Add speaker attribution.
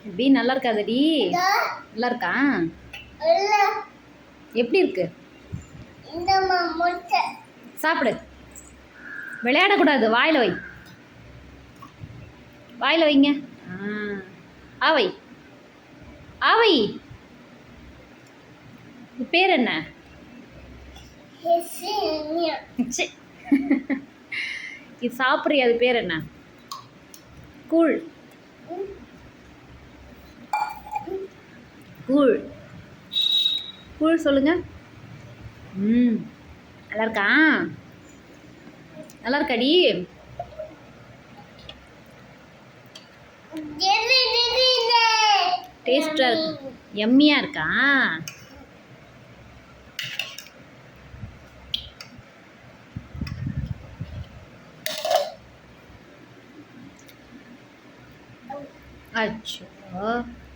Speaker 1: எப்படி நல்லா இருக்காதடி? நல்லா இருக்கா? எப்படி இருக்கு? சாப்பிடு. விளையாடக்கூடாது, வாயில் வை. வாயில் வைங்க. ஆவை ஆவை. பேர் என்ன? இது சாப்பிட்றியா? அது பேர் என்ன? கூழ். கூழ் கூழ் சொல்லுங்க. நல்லா இருக்கா? நல்லா இருக்காடி? டேஸ்டா இருக்கு. எம்மியா இருக்கா? அச்சோ.